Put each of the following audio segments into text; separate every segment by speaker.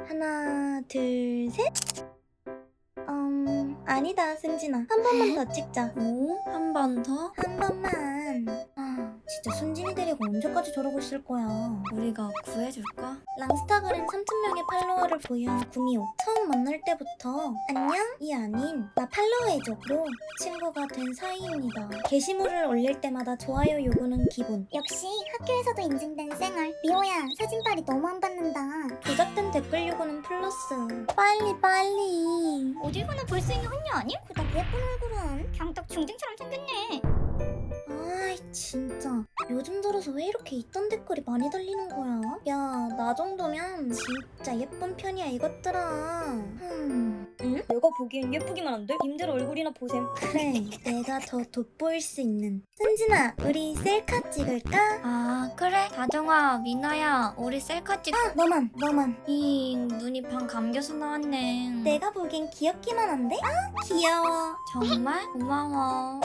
Speaker 1: 하나, 둘, 셋. 아니다, 승진아. 한 번만 더 찍자.
Speaker 2: 뭐? 한 번 더?
Speaker 1: 한 번만. 진짜 순진이 데리고 언제까지 저러고 있을 거야.
Speaker 2: 우리가 구해줄까?
Speaker 1: 랑스타그램 3,000명의 팔로워를 보유한 구미호. 처음 만날 때부터 안녕? 이 아닌 나 팔로우해줘로 친구가 된 사이입니다. 게시물을 올릴 때마다 좋아요 요구는 기본.
Speaker 3: 역시 학교에서도 인증된 쌩얼. 미호야, 사진빨이 너무 안 받는다.
Speaker 1: 조작된 댓글 요구는 플러스. 빨리.
Speaker 3: 어딜 가나 볼 수 있는 혼녀 아님? 그닥 예쁜 얼굴은 그냥 딱 중딩처럼 생겼네.
Speaker 1: 아이 진짜 요즘 들어서 왜 이렇게 있던 댓글이 많이 달리는 거야? 야, 나 정도면 진짜 예쁜 편이야 이것들아. 응?
Speaker 2: 내가 보기엔 예쁘기만 한데? 님들 얼굴이나 보셈.
Speaker 1: 그래, 내가 더 돋보일 수 있는. 승진아, 우리 셀카 찍을까?
Speaker 2: 아 그래? 다정아, 미나야, 우리 셀카 찍...
Speaker 1: 너만.
Speaker 2: 눈이 방 감겨서 나왔네.
Speaker 1: 내가 보기엔 귀엽기만 한데? 귀여워.
Speaker 2: 정말? 고마워.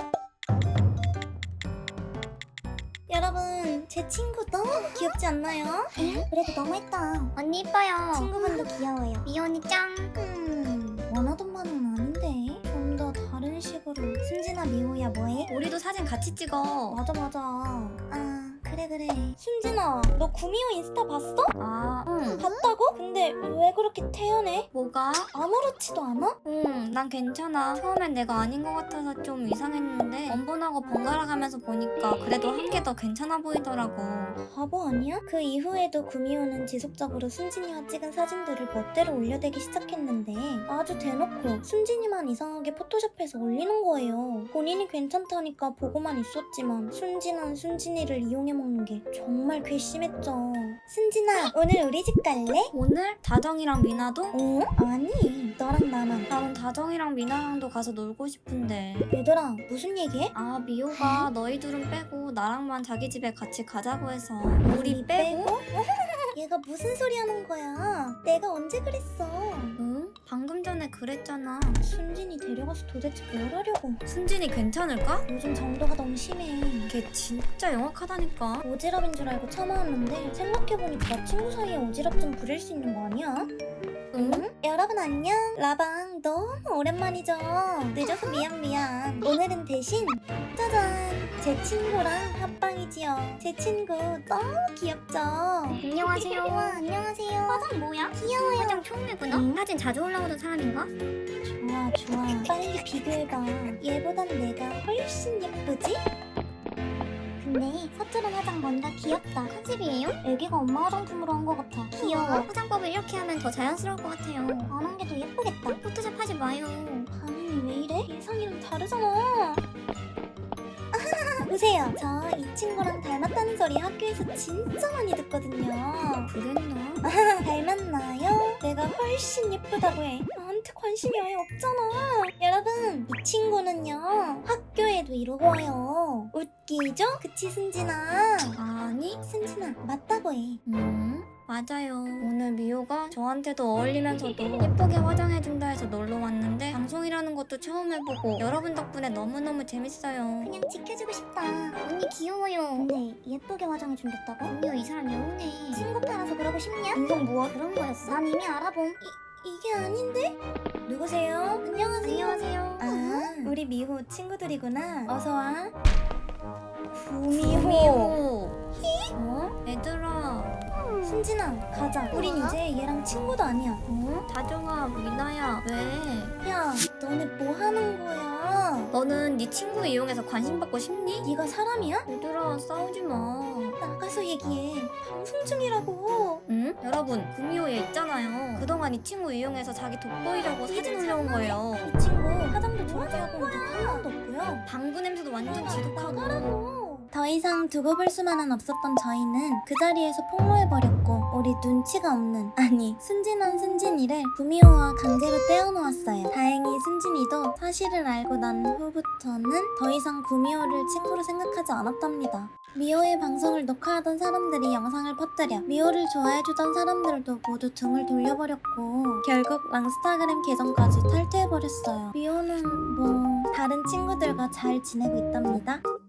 Speaker 1: 여러분, 제 친구 너무 귀엽지 않나요?
Speaker 3: 그래도 너무했다. 언니 이뻐요.
Speaker 1: 친구분도 귀여워요.
Speaker 3: 미호 언니 짱.
Speaker 1: 원하던 바는 아닌데 좀 더 다른 식으로. 순진아, 미호야 뭐해?
Speaker 2: 우리도 사진 같이 찍어.
Speaker 1: 맞아. 그래. 순진아, 너 구미호 인스타 봤어?
Speaker 2: 아, 응.
Speaker 1: 봤다고? 근데 왜 그렇게 태연해?
Speaker 2: 뭐가?
Speaker 1: 아무렇지도 않아?
Speaker 2: 응, 난 괜찮아. 처음엔 내가 아닌 것 같아서 좀 이상했는데 원본하고 번갈아 가면서 보니까 그래도 한 개 더 괜찮아 보이더라고.
Speaker 1: 바보 아니야? 그 이후에도 구미호는 지속적으로 순진이와 찍은 사진들을 멋대로 올려대기 시작했는데 아주 대놓고 순진이만 이상하게 포토샵해서 올리는 거예요. 본인이 괜찮다니까 보고만 있었지만 순진한 순진이를 이용해 먹는 게 정말 괘씸했죠. 순진아, 오늘 우리 집 갈래?
Speaker 2: 오늘 다정이랑 미나도?
Speaker 1: 아니, 너랑 나만.
Speaker 2: 나는 다정이랑 미나랑도 가서 놀고 싶은데.
Speaker 1: 얘들아, 무슨 얘기해?
Speaker 2: 아, 미호가 너희 둘은 빼고 나랑만 자기 집에 같이 가자고 해서. 우리 빼고?
Speaker 1: 얘가 무슨 소리 하는 거야? 내가 언제 그랬어?
Speaker 2: 응? 방금 전에 그랬잖아.
Speaker 1: 순진이 데려가서 도대체 뭘 하려고?
Speaker 2: 순진이 괜찮을까?
Speaker 1: 요즘 정도가 너무 심해.
Speaker 2: 걔 진짜 영악하다니까.
Speaker 1: 오지랖인 줄 알고 참아왔는데 생각해보니까 친구 사이에 오지랖 좀 부릴 수 있는 거 아니야?
Speaker 2: 응?
Speaker 1: 여러분 안녕. 라방 너무 오랜만이죠. 늦어서 미안. 오늘은 대신 짜잔, 제 친구랑 합방이지요. 제 친구 너무 귀엽죠?
Speaker 3: 안녕하세요.
Speaker 1: 와, 안녕하세요.
Speaker 3: 화장 뭐야? 귀여워요. 화장 처음 해보나? 사진 자주 올라오던 사람인가?
Speaker 1: 좋아. 빨리 비교해봐. 얘보단 내가 훨씬 예쁘지?
Speaker 3: 근데 서투른 화장 뭔가 귀엽다. 컨셉이에요?
Speaker 1: 애기가 엄마 화장품으로 한 것 같아.
Speaker 3: 귀여워. 화장법을 이렇게 하면 더 자연스러울 것 같아요.
Speaker 1: 안 한 게 더 예쁘겠다.
Speaker 3: 포토샵 하지 마요.
Speaker 1: 반응이 왜 이래? 예상이랑 다르잖아. 보세요. 저 이 친구랑 닮았다는 소리 학교에서 진짜 많이 듣거든요.
Speaker 2: 그랬나?
Speaker 1: 닮았나요? 내가 훨씬 예쁘다고 해. 나한테 관심이 아예 없잖아. 여러분, 이 친구는요 학교에도 이러고 와요. 웃기죠? 그치 순진아?
Speaker 2: 아니?
Speaker 1: 순진아, 맞다고 해.
Speaker 2: 맞아요. 오늘 미호가 저한테도 어울리면서도 예쁘게 화장해준다 해서 놀러 왔는데 방송이라는 것도 처음 해보고 여러분 덕분에 너무너무 재밌어요.
Speaker 3: 그냥 지켜주고 싶다. 언니 귀여워요.
Speaker 1: 근데 예쁘게 화장해준댔다고?
Speaker 3: 언니 이 사람 여우네.
Speaker 1: 친구 따라서 그러고 싶냐?
Speaker 3: 운동 뭐야? 그런 거였어?
Speaker 1: 난 이미 알아봄. 이게 아닌데? 누구세요? 안녕하세요. 아, 우리 미호 친구들이구나. 어서와. 구미호.
Speaker 2: 어? 얘들아.
Speaker 1: 순진아, 가자. 우린 이제 얘랑 친구도 아니야.
Speaker 2: 다정아, 미나야, 왜?
Speaker 1: 야, 너네 뭐 하는 거야?
Speaker 2: 너는 네 친구 이용해서 관심 받고 싶니?
Speaker 1: 네가 사람이야?
Speaker 2: 얘들아, 싸우지 마.
Speaker 1: 나가서 얘기해. 방송 중이라고.
Speaker 2: 응? 여러분, 구미호 얘 있잖아요. 그동안 이 친구 이용해서 자기 돋보이려고 사진 올려온 거예요.
Speaker 1: 이 친구 화장도 저렇게 하고 눈 한 번도 없고요.
Speaker 2: 방구 냄새도 완전 지독하고.
Speaker 1: 나가라고. 더 이상 두고 볼 수만은 없었던 저희는 그 자리에서 폭로해버렸고 우리 눈치가 없는, 아니 순진한 순진이를 구미호와 강제로 떼어놓았어요. 다행히 순진이도 사실을 알고 난 후부터는 더 이상 구미호를 친구로 생각하지 않았답니다. 미호의 방송을 녹화하던 사람들이 영상을 퍼뜨려 미호를 좋아해주던 사람들도 모두 등을 돌려버렸고 결국 랑스타그램 계정까지 탈퇴해버렸어요. 미호는 뭐 다른 친구들과 잘 지내고 있답니다.